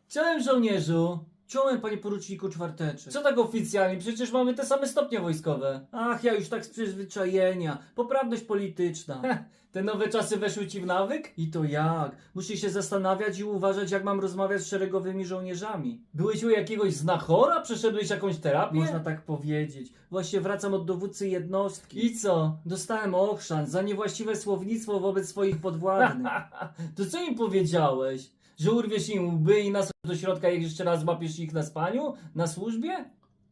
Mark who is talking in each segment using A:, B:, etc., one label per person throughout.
A: Czołem żołnierzu! Czołem panie poruczniku Czwarteczek. Co tak oficjalnie? Przecież mamy te same stopnie wojskowe. Ach, ja już tak z przyzwyczajenia. Poprawność polityczna. Te nowe czasy weszły ci w nawyk? I to jak? Muszę się zastanawiać i uważać, jak mam rozmawiać z szeregowymi żołnierzami. Byłeś u jakiegoś znachora? Przeszedłeś jakąś terapię? Można tak powiedzieć. Właśnie wracam od dowódcy jednostki. I co? Dostałem ochrzan za niewłaściwe słownictwo wobec swoich podwładnych. To co im powiedziałeś? Że urwiesz im łby i nas do środka, jak jeszcze raz złapiesz ich na spaniu? Na służbie?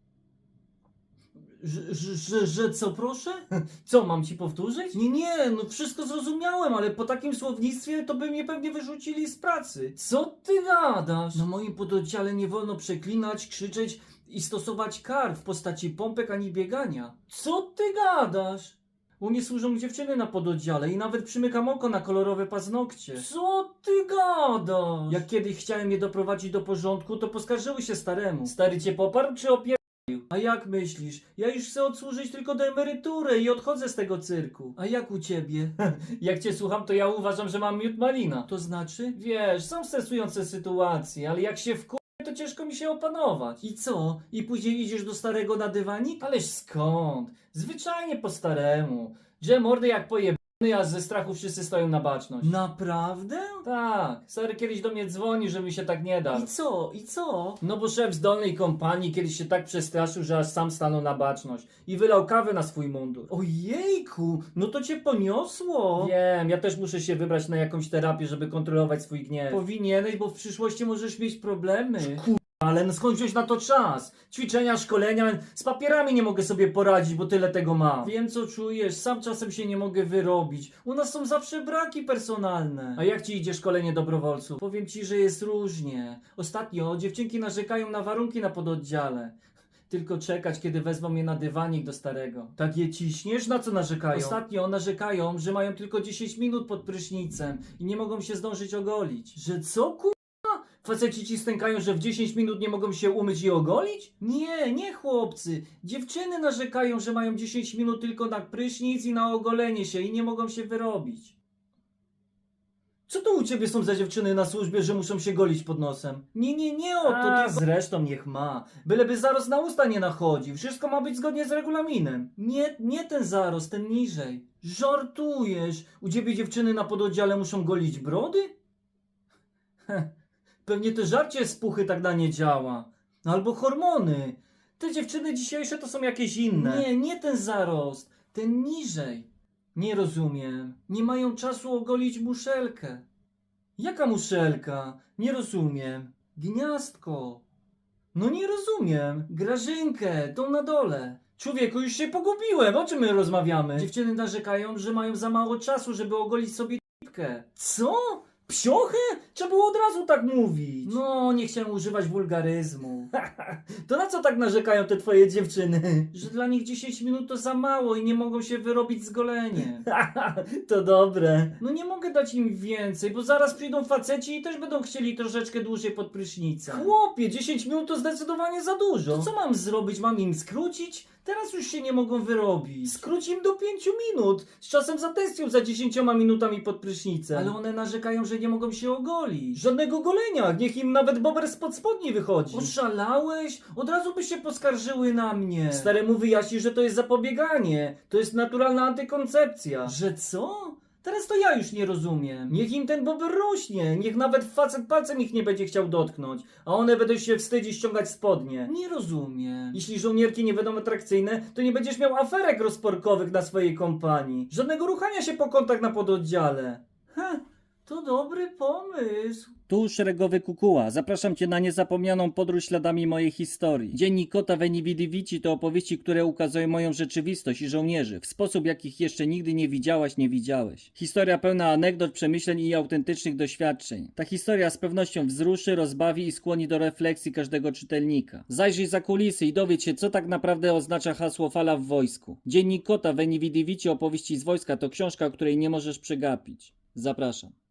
A: Że co proszę? Co, mam ci powtórzyć? Nie, no wszystko zrozumiałem, ale po takim słownictwie to by mnie pewnie wyrzucili z pracy. Co ty gadasz? Na moim pododdziale nie wolno przeklinać, krzyczeć i stosować kar w postaci pompek ani biegania. Co ty gadasz? U mnie służą dziewczyny na pododdziale i nawet przymykam oko na kolorowe paznokcie. Co ty gadasz? Jak kiedyś chciałem je doprowadzić do porządku, to poskarżyły się staremu. Stary cię poparł czy opierdolił? A jak myślisz? Ja już chcę odsłużyć tylko do emerytury i odchodzę z tego cyrku. A jak u ciebie? Jak cię słucham, to ja uważam, że mam miód malina. To znaczy? Wiesz, są stresujące sytuacje, ale jak się to ciężko mi się opanować. I co? I później idziesz do starego na dywanik? Ależ skąd? Zwyczajnie po staremu. Że mordy jak pojebany, a ze strachu wszyscy stoją na baczność. Naprawdę? Tak. Stary kiedyś do mnie dzwoni, że mi się tak nie da. I co? I co? No bo szef z dolnej kompanii kiedyś się tak przestraszył, że aż sam stanął na baczność. I wylał kawę na swój mundur. Ojejku, no to cię poniosło. Wiem, ja też muszę się wybrać na jakąś terapię, żeby kontrolować swój gniew. Powinieneś, bo w przyszłości możesz mieć problemy. Ale no skąd wziąć na to czas? Ćwiczenia, szkolenia, z papierami nie mogę sobie poradzić, bo tyle tego mam. Wiem co czujesz, sam czasem się nie mogę wyrobić. U nas są zawsze braki personalne. A jak ci idzie szkolenie dobrowolców? Powiem ci, że jest różnie. Ostatnio dziewczynki narzekają na warunki na pododdziale. Tylko czekać, kiedy wezmą mnie na dywanik do starego. Tak je ciśniesz? Na co narzekają? Ostatnio narzekają, że mają tylko 10 minut pod prysznicem i nie mogą się zdążyć ogolić. Że co Faceci ci stękają, że w 10 minut nie mogą się umyć i ogolić? Nie chłopcy. Dziewczyny narzekają, że mają 10 minut tylko na prysznic i na ogolenie się i nie mogą się wyrobić. Co to u ciebie są za dziewczyny na służbie, że muszą się golić pod nosem? Nie o to ty... Zresztą niech ma. Byleby zarost na usta nie nachodził. Wszystko ma być zgodnie z regulaminem. Nie ten zarost, ten niżej. Żartujesz? U ciebie dziewczyny na pododdziale muszą golić brody? Pewnie to żarcie z puchy tak na nie działa. Albo hormony. Te dziewczyny dzisiejsze to są jakieś inne. Nie ten zarost. Ten niżej. Nie rozumiem. Nie mają czasu ogolić muszelkę. Jaka muszelka? Nie rozumiem. Gniazdko. No nie rozumiem. Grażynkę, tą na dole. Człowieku, już się pogubiłem. O czym my rozmawiamy? Dziewczyny narzekają, że mają za mało czasu, żeby ogolić sobie t***kę. Co? Psiochę? Trzeba było od razu tak mówić. No, nie chciałem używać wulgaryzmu. To na co tak narzekają te twoje dziewczyny? Że dla nich 10 minut to za mało i nie mogą się wyrobić z goleniem. To dobre. No nie mogę dać im więcej, bo zaraz przyjdą faceci i też będą chcieli troszeczkę dłużej pod prysznicem. Chłopie, 10 minut to zdecydowanie za dużo. To co mam zrobić? Mam im skrócić? Teraz już się nie mogą wyrobić. Skróć im do 5 minut. Z czasem zatęsknią za 10 minutami pod prysznicem. Ale one narzekają, że nie mogą się ogolić. Żadnego golenia. Niech im nawet bober spod spodni wychodzi. Oszalałeś? Od razu by się poskarżyły na mnie. Staremu wyjaśni, że to jest zapobieganie. To jest naturalna antykoncepcja. Że co? Teraz to ja już nie rozumiem. Niech im ten bober rośnie. Niech nawet facet palcem ich nie będzie chciał dotknąć. A one będą się wstydzić ściągać spodnie. Nie rozumiem. Jeśli żołnierki nie będą atrakcyjne, to nie będziesz miał aferek rozporkowych na swojej kompanii. Żadnego ruchania się po kątach na pododdziale. To dobry pomysł.
B: Tu szeregowy Kukuła. Zapraszam Cię na niezapomnianą podróż śladami mojej historii. Dziennik Kota Veni Vidi Vici to opowieści, które ukazują moją rzeczywistość i żołnierzy w sposób, jakich jeszcze nigdy nie widziałaś, nie widziałeś. Historia pełna anegdot, przemyśleń i autentycznych doświadczeń. Ta historia z pewnością wzruszy, rozbawi i skłoni do refleksji każdego czytelnika. Zajrzyj za kulisy i dowiedz się, co tak naprawdę oznacza hasło fala w wojsku. Dziennik Kota Veni Vidi Vici opowieści z wojska to książka, której nie możesz przegapić. Zapraszam.